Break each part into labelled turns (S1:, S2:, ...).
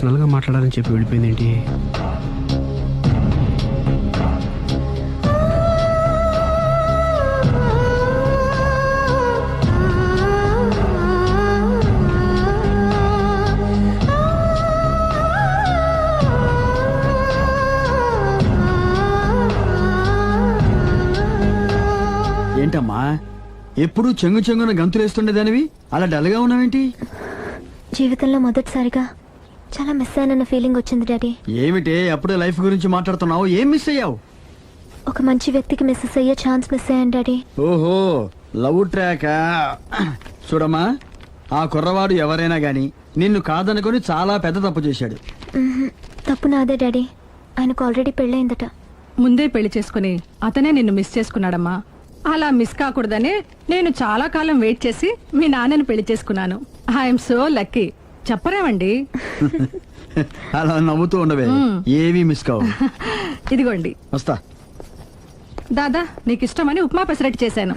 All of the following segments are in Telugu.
S1: పర్సనల్గా మాట్లాడాలని చెప్పి వెళ్ళిపోయింది ఏంటి?
S2: ఏంటమ్మా ఎప్పుడు చెంగు చెంగున గంతులేస్తుండేదానివి అలా డల్గా ఉన్నావేంటి?
S3: జీవితంలో మొదటిసారిగా చాలా మిస్ అయిన ఫీలింగ్ వచ్చింది డాడీ.
S2: ఏమిటే అప్పుడే లైఫ్ గురించి మాట్లాడుతున్నావు? ఏం మిస్ అయ్యావు?
S3: ఒక మంచి వ్యక్తికి మిస్ అయ్యే ఛాన్స్ మిస్ అయ్యాను డాడీ.
S2: ఓహో, లవ్ ట్రాక్. చూడమ్మా, ఆ కుర్రవాడు ఎవరైనా గాని నిన్ను కాదనుకొని చాలా పెద్ద తప్పు చేశాడు.
S3: తప్పు నాదే డాడీ. ఆయనకు ఆల్రెడీ పెళ్ళయిందట.
S4: ముందే పెళ్లి చేసుకుని అతనే నిన్ను మిస్ చేసుకున్నాడమ్మా. అలా మిస్ కాకూడదని నేను చాలా కాలం వెయిట్ చేసి మీ నాన్నని పెళ్లి చేసుకున్నాను. I'm so lucky. చెప్పరేమండి?
S2: అలా నవ్వుతూ ఉండవే, ఏవి మిస్ కావు.
S4: ఇదిగోండి.
S2: వస్తా.
S4: దాదా, నీకు ఇష్టమని ఉప్మా పెసరట్టు చేశాను.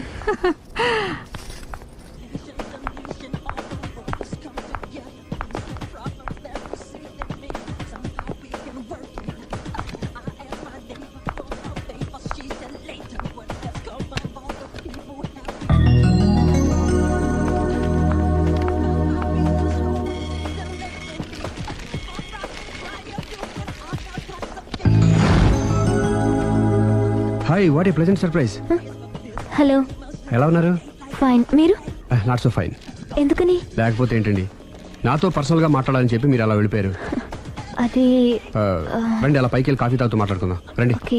S1: Hi, what a pleasant surprise.
S3: Hello,
S1: ఎలా ఉన్నారు?
S3: ఫైన్. మీరు?
S1: Not so fine.
S3: ఎందుకని?
S1: లేకపోతే ఏంటండి, నాతో పర్సనల్గా మాట్లాడాలని చెప్పి మీరు అలా వెళ్ళిపోయారు.
S3: అది
S1: రండి, అలా పైకి వెళ్ళి కాఫీ తాగుతూ మాట్లాడుకుందాం రండి.
S3: ఓకే.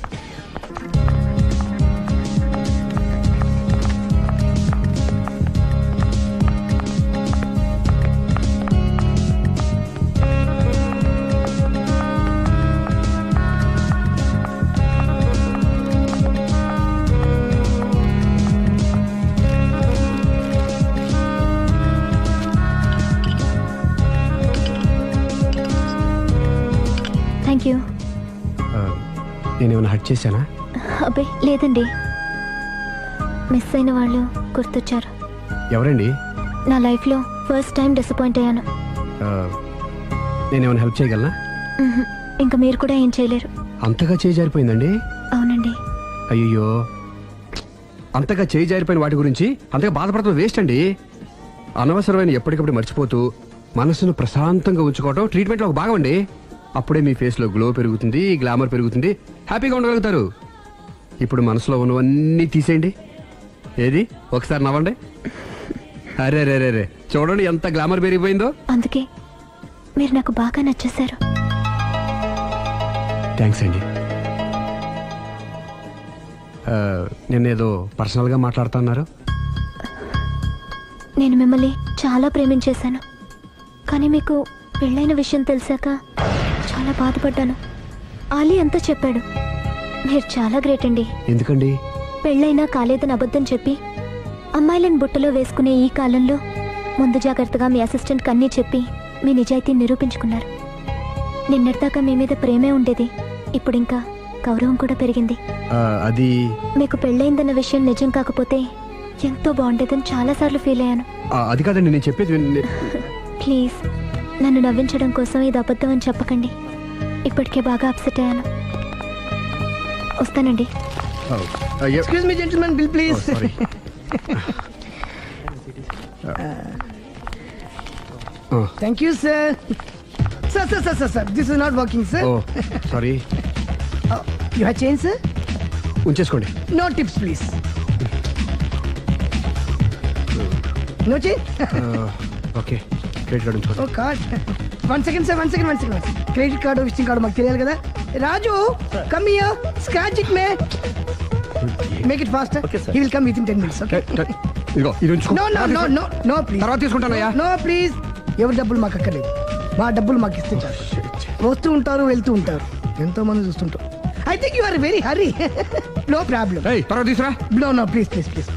S3: Thank you.
S1: నేనేమైనా హర్ట్ చేశానా?
S3: అబ్బే లేదండి, మిస్ అయిన వాళ్ళు గుర్తొచ్చారు.
S1: ఎవరండి?
S3: నా లైఫ్లో ఫస్ట్ టైం డిసప్పాయింట్ అయ్యాను.
S1: నేనేమైనా హెల్ప్ చేయగలనా?
S3: ఇంకా మీరు కూడా ఏం చేయలేరు.
S1: అంతగా చేయి జారిపోయిందండి?
S3: అవునండి.
S1: అయ్యో, అంతగా చేయి జారిపోయిన వాటి గురించి అంతగా బాధపడటం వేస్ట్ అండి. అనవసరమైన ఎప్పటికప్పుడు మర్చిపోతూ మనసును ప్రశాంతంగా ఉంచుకోవడం ట్రీట్మెంట్లో ఒక భాగం అండి. అప్పుడే మీ ఫేస్లో గ్లో పెరుగుతుంది, గ్లామర్ పెరుగుతుంది, హ్యాపీగా ఉండగలుగుతారు. ఇప్పుడు మనసులో ఉన్నవన్నీ తీసేయండి. ఏది, ఒకసారి నవ్వండి. అరే రే రే రే, చూడండి ఎంత గ్లామర్ పెరిగిపోయిందో.
S3: అందుకే మీరు నాకు బాగా నచ్చేశారు.
S1: థ్యాంక్స్ అండి. నేనేదో పర్సనల్గా మాట్లాడుతున్నారు.
S3: నేను మిమ్మల్ని చాలా ప్రేమించేశాను, కానీ మీకు పెళ్ళైన విషయం తెలిసాక చాలా బాధపడ్డాను. ఆలీ అంతా చెప్పాడు. మీరు చాలా గ్రేట్ అండి.
S1: ఎందుకండి?
S3: పెళ్ళైనా కాలేదని అబద్ధం చెప్పి అమ్మాయిలను బుట్టలో వేసుకునే ఈ కాలంలో ముందు జాగ్రత్తగా మీ అసిస్టెంట్కి అన్నీ చెప్పి మీ నిజాయితీని నిరూపించుకున్నారు. నిన్నటిదాకా మీ మీద ప్రేమే ఉండేది, ఇప్పుడు ఇంకా గౌరవం కూడా పెరిగింది.
S1: అది
S3: మీకు పెళ్ళైందన్న విషయం నిజం కాకపోతే ఎంతో బాగుండేదని చాలాసార్లు ఫీల్ అయ్యాను.
S1: అది కాదండి నేను చెప్పేది.
S3: ప్లీజ్ నన్ను నవ్వించడం కోసం ఇది అబద్ధం అని చెప్పకండి. ఇప్పటికే బాగా అప్సెట్ అయ్యాను. వస్తానండి.
S5: Excuse me, gentlemen, bill please. Thank you, sir. Sir. This is not working, sir.
S1: Sorry.
S5: You have change, sir?
S1: ఉంచేసుకోండి.
S5: No tips, please. No change?
S1: Okay, credit card ఉంచుకోండి.
S5: Oh, card. One second, sir. Credit card, visiting card, మాకు తెలియాలి కదా. Raju, come here. Scratch it, man. Make it faster.
S6: Okay, sir.
S5: He will come within 10 minutes, okay?
S1: ఇదిగో ఇది ఉంచుకో.
S5: No, please.
S1: తర్వాత తీసుకుంటానయ్యా.
S5: No, please. ఎవరి డబ్బులు మాకు అక్కర్లేదు, మా డబ్బులు మాకు ఇస్తే చాలు. వస్తూ ఉంటారు, వెళ్తూ ఉంటారు, ఎంతో మంది చూస్తుంటారు. I think you are very hurry. No problem.
S1: తర్వాత తీసురా.
S5: No, please.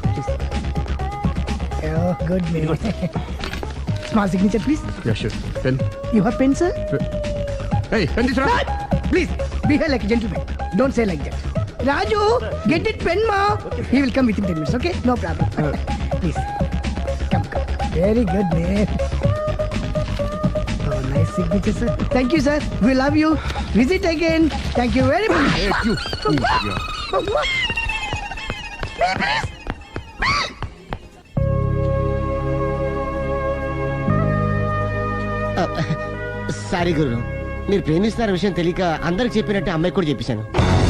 S5: Oh, good man. Small signature, please.
S1: Yeah, sure. Pen.
S5: You have pen, sir?
S1: Hey, pen తీసురా.
S5: Please, behave like a gentleman. Don't say like that. Raju, get it pen, ma. He will come within 10 minutes, okay? No problem. Please. Come. Very good, man. Oh, nice signature sir. Thank you sir. We love you. Visit again. Thank you very much.
S6: Sorry గురు, మీరు ప్రేమిస్తున్న విషయం తెలియక అందరికి చెప్పినట్టు అమ్మాయికి కూడా చెప్పేశాను.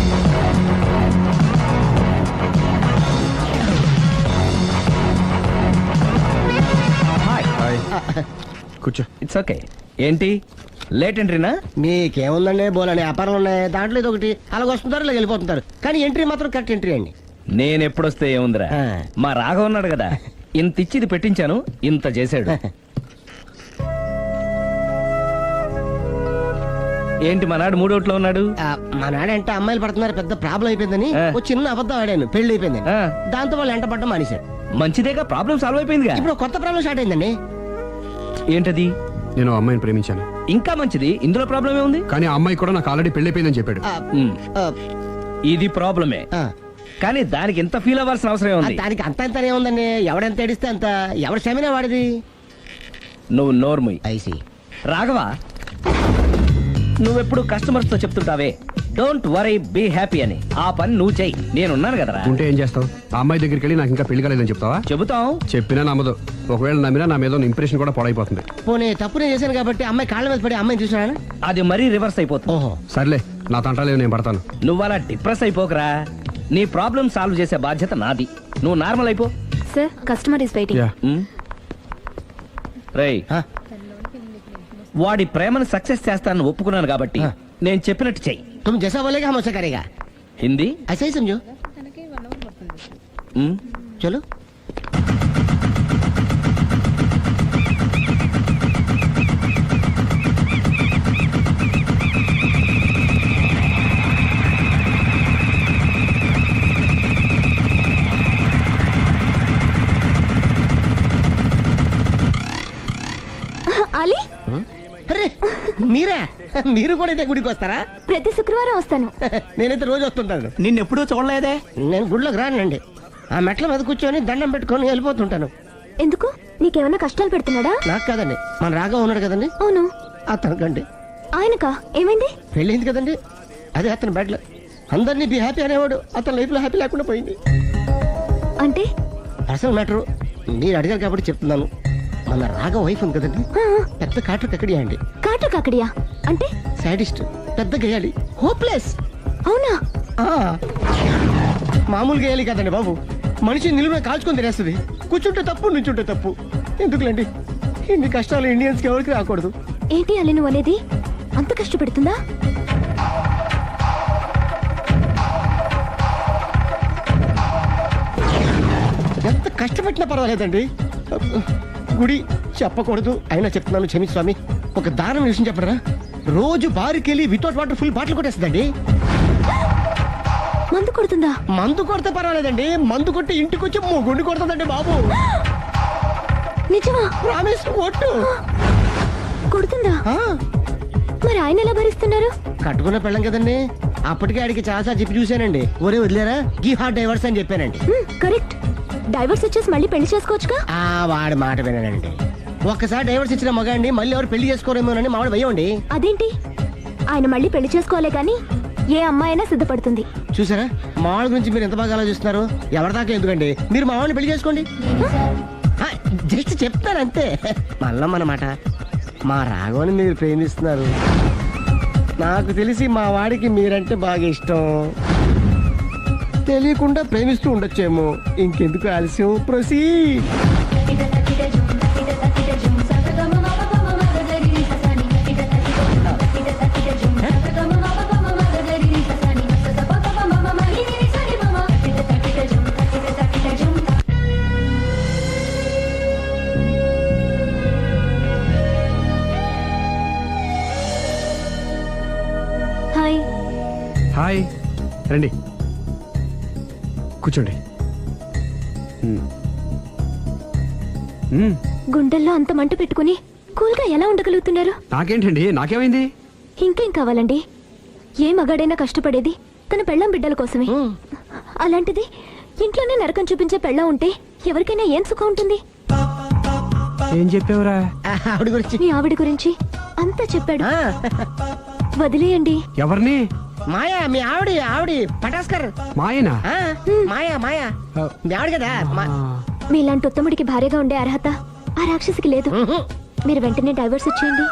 S1: కూర్చో.
S7: It's okay. ఏంటి లేట్ ఎంట్రీనా?
S6: మీకేముందండి, బోలని వ్యాపారాలు ఉన్నాయి, దాంట్లో ఇది ఒకటి అలాగ వస్తుంటారు ఇలా వెళ్ళిపోతుంటారు, కానీ ఎంట్రీ మాత్రం కరెక్ట్ ఎంట్రీ అండి.
S7: నేను ఎప్పుడొస్తే ఏముందిరా,
S6: ఆ.
S7: మా రాఘవ ఉన్నాడు కదా, ఇంత ఇచ్చిది పెట్టించాను, ఇంత చేశాడు. ఏంటి మనాడు మూడోట్లో ఉన్నాడు?
S6: మా నాడంటే అమ్మాయిలు పడుతున్నారు పెద్ద ప్రాబ్లం అయిపోయిందని
S7: ఆ.
S6: ఒక చిన్న అబద్ధం ఆడాను, పెళ్లి అయిపోయింది.
S7: ఆ.
S6: దాంతో వాళ్ళు ఎంట పడ్డం మానేశారు.
S7: మంచిదేగా, ప్రాబ్లం సాల్వ్ అయిపోయిందిగా.
S6: ఇప్పుడు కొత్త ప్రాబ్లం స్టార్ట్ అయిందండి.
S7: ఏంటది?
S1: నేను ఆ అమ్మాయిని ప్రేమించాను,
S7: ఇంకా మంచిది, ఇందులో ప్రాబ్లం ఏముంది?
S1: కానీ ఆ అమ్మాయి కూడా నాకు ఆల్రెడీ పెళ్ళైపోయిందని చెప్పాడు.
S6: ఆ,
S7: ఉమ్,
S6: ఆ,
S7: ఇది ప్రాబ్లమే,
S6: ఆ.
S7: కానీ దానికి ఇంత ఫీల్ అవ్వాల్సిన అవసరం ఉంది?
S6: దానికి అంత అంత ఏముందండి, ఎవడెంత ఏడిస్తే అంత, ఎవరి క్షమినా వాడిది.
S7: నువ్వు నోర్ముయ్.
S6: ఐసి
S7: రాఘవ, నువ్వెప్పుడు కస్టమర్స్ తో చెప్తుంటావే డోంట్ వరీ బీ హ్యాపీ అని, ఆ పని నువ్వు చెయ్యి, నేనున్నాను కదరా.
S1: ఉంటే ఏం చేస్తావు? ఆ అమ్మాయి దగ్గరికి వెళ్ళి నాకు ఇంకా పెళ్లి కాలేదని చెప్తావా?
S7: చెబుతాం.
S1: చెప్పినా నమ్మదు. ఒకవేళ నమ్మినా నా మీద ఇంప్రెషన్ కూడా పాడైపోతుంది.
S6: పోనీ తప్పునే చేశాను కాబట్టి అమ్మాయి కాళ్ళ మీద పడి అమ్మాయిని చూసినా.
S7: అది మరీ రివర్స్ అయిపోతుంది.
S6: ఓహో,
S1: సర్లే, నా తంటాలేవు, నేను పడతాను.
S7: నువ్వు అలా డిప్రెస్ అయిపోకరా, నీ ప్రాబ్లం సాల్వ్ చేసే బాధ్యత నాది, నువ్వు నార్మల్ అయిపో.
S3: Sir customer is waiting.
S1: Ya.
S7: రేయ్,
S6: ఆ,
S7: వాడి ప్రేమను సక్సెస్ చేస్తానని ఒప్పుకున్నాను కాబట్టి నేను చెప్పినట్టు చెయ్యి.
S6: तुम जैसा बोलेगा हम वैसा करेगा.
S7: హిందీ?
S6: ऐसा ही समझो.
S7: ఉమ్,
S6: चलो.
S3: అలీ,
S6: అరే మీరా, మీరు కూడా అయితే గుడికి వస్తారా?
S3: ప్రతి శుక్రవారం వస్తాను.
S6: నేనైతే రోజు వస్తుంటాను.
S2: నిన్నెప్పుడూ చూడలేదే.
S6: నేను గుడిలోకి రానండి, ఆ మెట్ల మీద కూర్చొని దండం పెట్టుకొని వెళ్ళిపోతుంటాను.
S3: ఎందుకు? నీకేమైనా కష్టాలు పెడుతున్నాడా?
S6: నాకు కాదండి, మన రాఘవ ఉన్నాడు కదండి,
S3: అవును.
S6: అతనికండి
S3: ఆయనకా? ఏమైంది?
S6: పెళ్ళైంది కదండి, అదే అతని బెడ్లో అందరినీ బి హ్యాపీ అనేవాడు, అతని లైఫ్ లో హ్యాపీ లేకుండా పోయింది.
S3: అంటే
S6: అసలు మ్యాటర్ మీరు అడిగారు కాబట్టి చెప్తున్నాను. మన రాఘవ వైఫ్ ఉంది కదండి, పెద్ద కాటు కక్కడియా అండి.
S3: కాటు కాకడియా అంటే?
S6: సాడిస్ట్, పెద్ద గేయాలి, హోప్లెస్.
S3: అవునా?
S6: మామూలు గేయాలి కదండి బాబు, మనిషి నిలువున కాల్చుకొని తినేస్తుంది. కూర్చుంటే తప్పు, నుంచుంటే తప్పు. ఎందుకులేండి, ఇన్ని కష్టాలు ఇండియన్స్ కి ఎవరికి రాకూడదు.
S3: ఏంటి అలీ నువ్వు అనేది? అంత కష్టపెడుతుందా?
S6: ఎంత కష్టపెట్టినా పర్వాలేదండి. గుడి చెప్పకూడదు, అయినా చెప్తున్నాను, క్షమించు స్వామి. ఒక దారుణ విషయం చెప్పడరా, రోజు బారుకెళ్ళి వితౌట్ వాటర్ ఫుల్ బాటిల్ కొట్టేస్తుందండి.
S3: మందు కొడుతుందా?
S6: మందు కొడితే పర్వాలేదండి, మందు కొట్టి ఇంటికి వచ్చి గుండి కొడుతుందండి బాబు.
S3: నిజమా?
S6: ప్రామిస్, ఒట్టు.
S3: కొడుతుందా?
S6: ఆ,
S3: మరి ఆయన ఎలా భరిస్తున్నారు?
S6: కట్టుకున్న పెళ్ళం కదండి, అప్పటికే ఆడికి చాలాసార్లు చెప్పి చూశానండి. ఒరే వదిలేరా, గీ హార్ట్ డైవర్స్ అని చెప్పానండి.
S3: కరెక్ట్. డైవర్స్ వచ్చేసి మళ్ళీ పెళ్లి చేసుకోవచ్చుగా.
S6: ఆ వాడి మాట వినండి, ఒక్కసారి డైవర్స్ ఇచ్చిన మగాండి మళ్ళీ ఎవరు పెళ్లి చేసుకోరేమోనని మావాడు భయం అండి.
S3: అదేంటి? ఆయన మళ్ళీ పెళ్లి చేసుకోవాలే గాని ఏ అమ్మాయి అయినా సిద్ధపడుతుంది.
S6: చూసారా, మావాడి గురించి మీరు ఎంత బాగా ఆలోచిస్తున్నారు. ఎవరిదాకా ఎందుకండి, మీరు మావాడిని పెళ్లి చేసుకోండి. జస్ట్ చెప్తాను అంతే. మళ్ళా మన మాట, మా రాఘవని మీరు ప్రేమిస్తున్నారు, నాకు తెలిసి మా వాడికి మీరంటే బాగా ఇష్టం. తెలియకుండా ప్రేమిస్తూ ఉండొచ్చేమో. ఇంకెందుకు ఆలస్యం, ప్రొసీడ్.
S3: హాయ్.
S1: హాయ్, రండి కూర్చోండి.
S3: గుండెల్లో అంత మంట పెట్టుకుని కూల్గా ఎలా ఉండగలుగుతున్నారు?
S1: నాకేంటండి, నాకేమైంది?
S3: ఇంకేం కావాలండి? ఏ మగాడైనా కష్టపడేది తన పెళ్ళాం బిడ్డల కోసమే. అలాంటిది ఇంట్లోనే నరకం చూపించే పెళ్ళాం ఉంటే ఎవరికైనా ఏం సుఖం ఉంటుంది?
S1: ఏం చెప్పావురా?
S6: ఆవిడ గురించి
S3: మీ ఆవిడ గురించి అంతా చెప్పాడు.
S6: ఆ,
S3: వదిలేయండి.
S1: ఎవరిని?
S6: మాయా మీ ఆవిడ పటాస్కర్.
S1: మాయనా?
S6: ఆ, మాయా మీ ఆవిడ కదా
S3: మీలాంటి ఉత్తముడికి భార్యగా ఉండే అర్హత ఆ రాక్షసికి లేదు. మీరు వెంటనే డైవర్స్ ఇచ్చేయండి.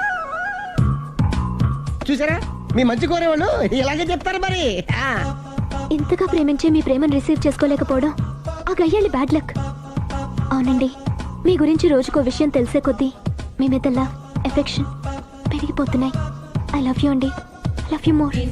S6: చూసారా మీ మంచి కోరేవాళ్ళు ఇలాగే చెప్తారు మరి. ఆ,
S3: ఇంతగా ప్రేమించి మీ ప్రేమను రిసీవ్ చేసుకోలేకపోవడం ఆ గయ్యాలి బ్యాడ్ లక్. అవునండి, మీ గురించి రోజుకో విషయం తెలిసే కొద్దీ మీ మీద లవ్, ఎఫెక్షన్ పెరిగిపోతున్నాయి. ఐ లవ్ యూ అండి. I love you more.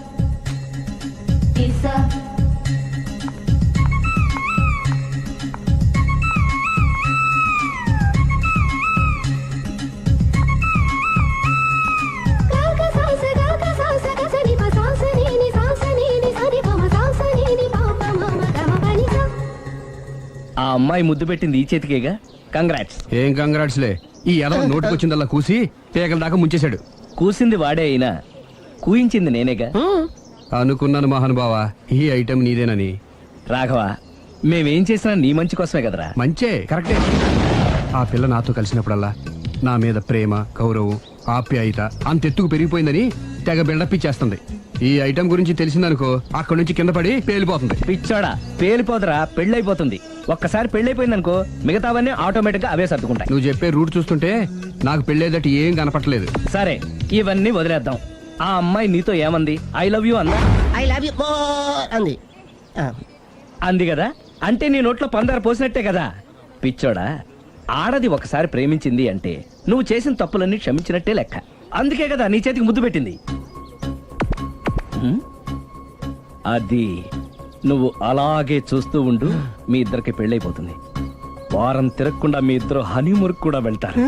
S7: ఆ అమ్మాయి ముద్దు పెట్టింది ఈ చేతికేగా. కంగ్రాట్స్.
S1: ఏం కంగ్రాట్స్లే. ఈ ఎదవ నోటికొచ్చిందల్లా కూసి పేకల దాకా ముంచేశాడు.
S7: కూసింది వాడే అయినా కూయించింది నేనేగా.
S1: అనుకున్నాను మహానుభావా, ఈ ఐటెం నీదేనని.
S7: రాఘవ, మేమేం చేసినా నీ మంచి కోసమే కదరా.
S1: మంచే, కరెక్టే. ఆ పిల్ల నాతో కలిసినప్పుడల్లా నా మీద ప్రేమ, గౌరవం, ఆప్యాయత అంతెత్తుకు పెరిగిపోయిందని తెగ బిల్డప్ ఇచ్చేస్తుంది. ఈ ఐటెం గురించి తెలిసిందనుకో అక్కడి నుంచి కింద పడి పేలిపోతుంది.
S7: పిచ్చోడా, పేలిపోదరా, పెళ్ళైపోతుంది. ఒక్కసారి పెళ్ళైపోయిందనుకో మిగతావన్నీ ఆటోమేటిక్ గా అవే సర్దుకుంటాయి.
S1: నువ్వు చెప్పే రూట్ చూస్తుంటే నాకు పెళ్ళేదట ఏం కనపట్లేదు.
S7: సరే, ఇవన్నీ వదిలేద్దాం. ఆ అమ్మాయి నీతో ఏమంది? ఐ లవ్ యూ అందా?
S6: ఐ లవ్ యూ అంది. ఆ,
S7: అంది కదా, అంటే నీ నోట్లో పందారు పోసినట్టే కదా. పిచ్చోడా, ఆడది ఒకసారి ప్రేమించింది అంటే నువ్వు చేసిన తప్పులన్నీ క్షమించినట్టే లెక్క. అందుకే కదా నీ చేతికి ముద్దు పెట్టింది. హ్మ్? అది నువ్వు అలాగే చూస్తూ ఉండు, మీ ఇద్దరికి పెళ్ళైపోతుంది. వారం తిరగకుండా మీ ఇద్దరు హనీమూర్కి కూడా వెళ్తారు.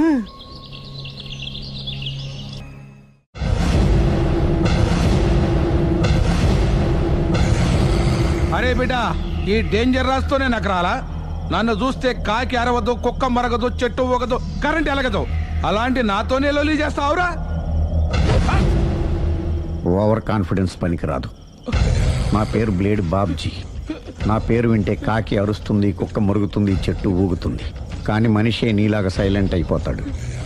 S8: అరే బిడ్డా, ఈ డేంజర్ రాస్తూనే నాకు రాలా. నన్ను చూస్తే కాకి అరవదు, కుక్క మరగదు, చెట్టు ఊగదు, కరెంట్ ఎలగదు. అలాంటి నాతోనే లొలి చేస్తావురా?
S9: ఓవర్ కాన్ఫిడెన్స్ పనికిరాదు. నా పేరు బ్లేడ్ బాబ్జీ. నా పేరు వింటే కాకి అరుస్తుంది, కుక్క మురుగుతుంది, చెట్టు ఊగుతుంది. కానీ మనిషే నీలాగా సైలెంట్ అయిపోతాడు.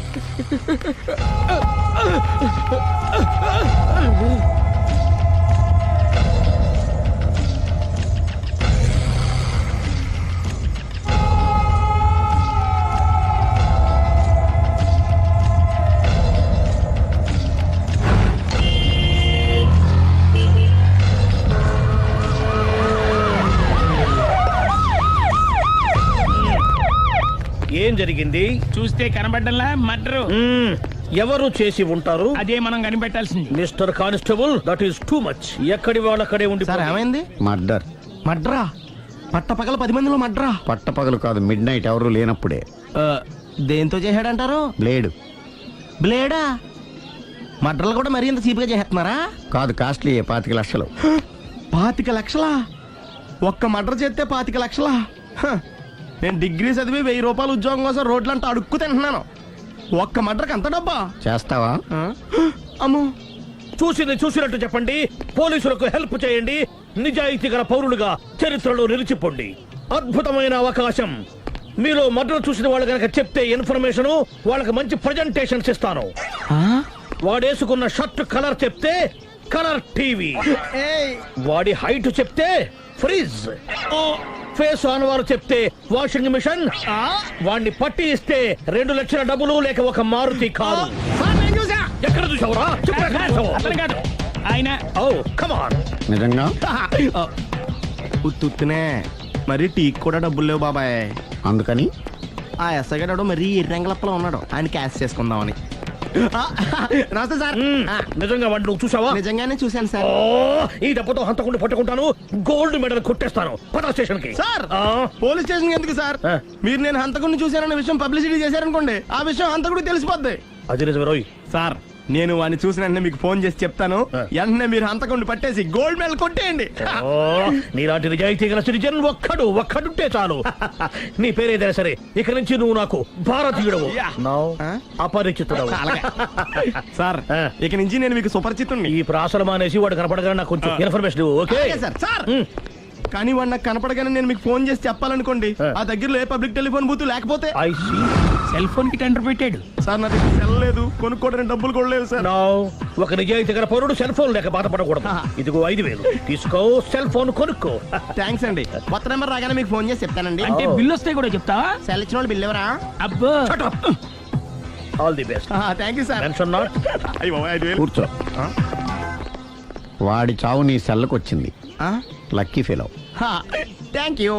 S10: ఏం జరిగింది?
S11: చూస్తే కనబడ్డంలా మర్డరు.
S10: ఎవరు చేసి ఉంటారు?
S11: అదే మనం కనిపెట్టాల్సింది.
S10: Mister constable, that is too much. ఎక్కడి వాళ్ళక్కడే ఉండి.
S6: ఏమైంది?
S9: మర్డర్.
S6: మడ్రా పట్ట పగల 10 మందిలో మడ్రా.
S9: పట్టపగలు కాదు, మిడ్ నైట్ ఎవరు లేనప్పుడే.
S6: దేంతో చేశాడంటారు?
S9: బ్లేడ్.
S6: బ్లేడా? మడ్రలు కూడా మరీ ఇంత చీప్గా చేస్తున్నారా?
S9: కాదు, కాస్ట్లీ 25 లక్షలు.
S6: 25 లక్షలా? ఒక్క మడ్ర చేస్తే 25 లక్షలా? హ, నేను డిగ్రీ చదివి 1000 రూపాయలు ఉద్యోగం కోసం రోడ్లంతా అడుక్కు తింటున్నాను. ఒక్క మడ్రకు అంత డబ్బా?
S9: చేస్తావా?
S6: అమ్మో.
S10: చూసింది చూసినట్టు చెప్పండి. పోలీసులకు హెల్ప్ చేయండి. నిజాయితీ గల పౌరులుగా చరిత్రలో నిలిచిపోండి. అద్భుతమైన అవకాశం. మీలో మర్డర్ చూసిన వాళ్ళు కనుక చెప్తే ఇన్ఫర్మేషన్, వాళ్ళకి మంచి ప్రజెంటేషన్స్ ఇస్తాను. వాడేసుకున్న షర్ట్ కలర్ చెప్తే కలర్ టీవీ, వాడి హైట్ చెప్తే ఫ్రిజ్, ఫేస్ ఆన్ వారు చెప్తే వాషింగ్ మిషన్, వాడిని పట్టి ఇస్తే 2 లక్షల డబ్బులు లేక ఒక మారుతి కారు. ఎక్కడ చూసావురా?
S11: ఆయన
S10: కమాన్.
S9: నిజంగా?
S6: ఉత్తునే మరి టీకి కూడా డబ్బులు లేవు బాబాయ్.
S9: అందుకని
S6: ఆ ఎస్ఐ గడు మరీ ఎర్రంగలప్పలో ఉన్నాడు. ఆయన క్యాష్ చేసుకుందామని. నమస్తే సార్.
S10: నిజంగా వాడిని నువ్వు చూసావా?
S6: నిజంగానే చూశాను సార్.
S10: ఈ దెబ్బతో హంతకుండా పట్టుకుంటాను, గోల్డ్ మెడల్ కొట్టేస్తాను. పద స్టేషన్ కి.
S6: సార్, పోలీస్ స్టేషన్ ఎందుకు సార్? మీరు నేను హంతకుడిని చూశానన్న విషయం పబ్లిసిటీ చేశారనుకోండి, ఆ విషయం హంతకుడికి తెలిసిపోద్ది.
S10: అది నిజమే రోయ్.
S6: సార్, నేను వాడిని చూసిన వెంటనే మీకు ఫోన్ చేసి చెప్తాను. వెంటనే మీరు హంతకుడిని పట్టేసి గోల్డ్ మెడల్ కొట్టేయండి.
S10: నీలాంటి నిజాయితీ గల సిటిజన్ ఒక్కడుంటే చాలు. నీ పేరేదైనా సరే, ఇక నుంచి నువ్వు నాకు భారతీయుడవు, అపరిచితుడవు.
S6: సార్, ఇక నుంచి నేను మీకు సుపరిచితుడిని.
S10: ఈ ప్రాసలు మానేసి వాడు కనపడగానే నాకు కొంచెం ఇన్ఫర్మేషన్. Okay
S6: sir. సార్, కానీ వాడు నాకు కనపడగానే నేను మీకు ఫోన్ చేసి చెప్పాలనుకోండి, ఆ దగ్గరలో ఏ పబ్లిక్ టెలిఫోన్ బూత్ లేకపోతే.
S10: I see.
S11: సెల్ ఫోన్ కి టెండర్ పెట్టాడు.
S6: సార్ నా దగ్గర సెల్ లేదు, కొనుక్కోవడానికి డబ్బులు కూడా లేవు సార్.
S10: నో, ఒక నిజాయితీ గల పౌరుడు సెల్ ఫోన్ లేక బాధపడకూడదు. ఇదిగో 5,000 తీసుకో, సెల్ ఫోన్ కొనుక్కో.
S6: థ్యాంక్స్ అండి. కొత్త నెంబర్ రాగానే మీకు ఫోన్ చేసి చెప్తానండి.
S11: అంటే బిల్లు వస్తే కూడా చెప్తావా?
S6: సెల్ ఇచ్చిన వాళ్ళు బిల్ ఎవరా?
S11: అబ్బో,
S10: all the best.
S6: Thank you sir.
S10: Tension not.
S6: అయ్యో 5,000.
S9: కూర్చో. వాడి చావు నీ సెల్లకు వచ్చింది. Lucky fellow.
S6: Thank you.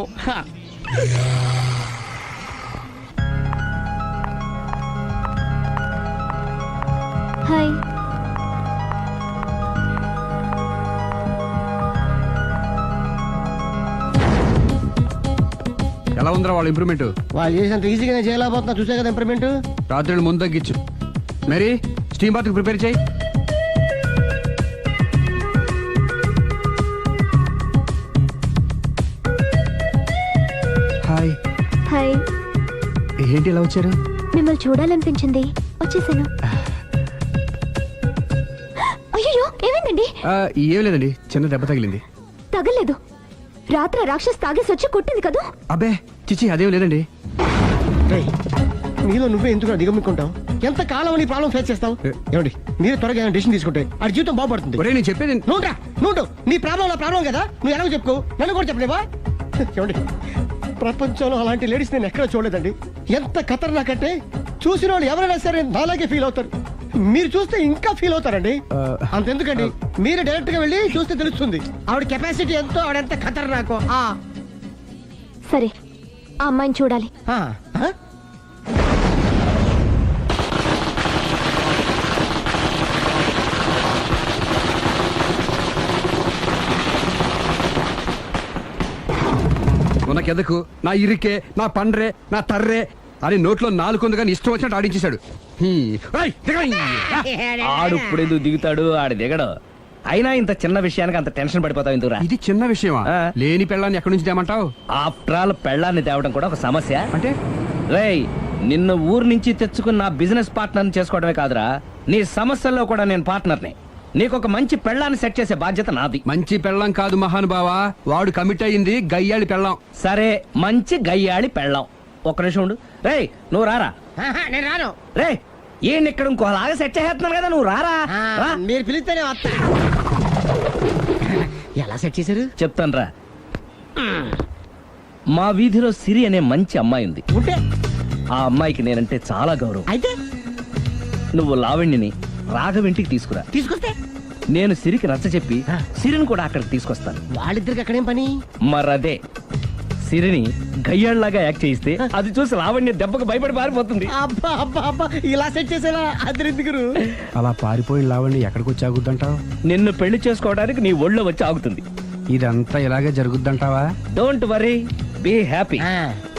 S3: Hi.
S1: ఎలా ఉందిరా వాళ్ళ ఇంప్రూవ్మెంట్?
S6: వాళ్ళు చేసినంత ఈజీగానే చేయలేకపోతున్నా, చూసే కదా ఇంప్రూవ్మెంట్.
S1: రాత్రి ముందు తగ్గించు. మరి స్టీమ్ బాత్ ప్రిపేర్ చేయి. హాయ్.
S3: హాయ్.
S1: ఏంటి ఇలా వచ్చారు?
S3: మిమ్మల్ని చూడాలనిపించింది, వచ్చేసాను. అయ్యో, ఏమైందండి?
S1: ఏం లేదండి, చిన్న దెబ్బ తగిలింది.
S3: తగలేదు. రాత్రి రాక్షస్ తాగేసి వచ్చి కొట్టింది కదా.
S1: అబ్బే చిచి, అదేం లేదండి.
S6: నీలో నువ్వే ఎందుకు దిగమ్ముకుంటావు? ఎంత కాలం నీ ప్రాబ్లం ఫేస్ చేస్తావు? ఏమండి, మీరు త్వరగా డెసిషన్ తీసుకుంటే ఆ జీవితం బాగుపడుతుంది.
S1: ఒరేయ్, నేను చెప్పేది
S6: నువ్వు నీ ప్రాబ్లం నా ప్రాబ్లం కదా, నువ్వు ఎలాగో చెప్పుకో, నన్ను కూడా చెప్పలేవా? ఏమండి, ప్రపంచంలో అలాంటి లేడీస్ నేను ఎక్కడ చూడలేదండి. ఎంత ఖతర్నాకంటే చూసిన వాళ్ళు ఎవరైనా సరే నాలాగే ఫీల్ అవుతారు. మీరు చూస్తే ఇంకా ఫీల్ అవుతారండి. అంతెందుకండి, మీరు డైరెక్ట్ గా వెళ్ళి చూస్తే తెలుస్తుంది ఆవిడ కెపాసిటీ ఎంతో, ఆవిడెంత ఖతర్నాకో.
S3: సరే, ఆ అమ్మాయిని చూడాలి.
S1: ఉనకెదకు, నా ఇరికే, నా పండ్రే, నా తర్రే అని నోట్లో నాలుగు కానీ ఇష్టం వచ్చినట్టు ఆడించేశాడు.
S7: ఆడు ఇప్పుడు ఎందుకు దిగుతాడు? ఆడు దిగడు. అయినా ఇంత చిన్న విషయానికి అంత టెన్షన్ పడిపోతావు ఎందుకురా?
S1: ఇది చిన్న విషయమా? లేని పెళ్ళాన్ని ఎక్కడి నుంచి తేమంటావు?
S7: ఆఫ్టర్ ఆల్ పెళ్ళాన్ని తేవడం కూడా ఒక సమస్య
S1: అంటే?
S7: రేయ్, నిన్ను ఊరు నుంచి తెచ్చుకున్న నా బిజినెస్ పార్ట్నర్ని చేసుకోవడమే కాదురా, నీ సమస్యల్లో కూడా నేను పార్ట్నర్ని. నీకు ఒక మంచి పెళ్ళాన్ని సెట్ చేసే బాధ్యత నాది.
S1: మంచి పెళ్ళం కాదు మహానుభావా, వాడు కమిట్ అయ్యింది గయ్యాళి పెళ్ళం.
S7: సరే, మంచి గయ్యాళి పెళ్ళాం. ఒక్క నిమిషం ఉండు. రేయ్, నువ్వు రారా.
S6: నేను రాను.
S7: రే, ఈయన ఇక్కడ ఇంకోలాగా సెట్ చేస్తున్నాను కదా, నువ్వు రారా.
S6: మీరు పిలిస్తేనే వస్తా. ఎలా సెట్ చేశారు?
S7: చెప్తాను రా. మా వీధిలో సిరి అనే మంచి అమ్మాయి ఉంది.
S6: ఉంటే
S7: ఆ అమ్మాయికి నేనంటే చాలా గౌరవం.
S6: అయితే
S7: నువ్వు లావణ్యని రాఘవింటికి తీసుకురా.
S6: తీసుకొస్తే
S7: నేను సిరికి నచ్చ చెప్పి సిరిని కూడా అక్కడికి తీసుకొస్తాను.
S6: వాళ్ళిద్దరికి అక్కడేం పని?
S7: మరదే, సిరిని గయ్యాళ్ళలాగా యాక్ట్ చేయిస్తే అది చూసి లావణ్య దెబ్బకు భయపడి పారిపోతుంది.
S6: అబ్బా అబ్బా అబ్బా, ఇలా సెట్ చేసేలా అద్దరెందుకు?
S1: అలా పారిపోయిన లావణ్ణి ఎక్కడికి వచ్చి ఆగుద్దంటావు?
S7: నిన్ను పెళ్లి చేసుకోవడానికి నీ ఒళ్ళో వచ్చి ఆగుతుంది.
S1: ఇదంతా ఇలాగే జరుగుద్దంటావా?
S7: Don't worry, be happy.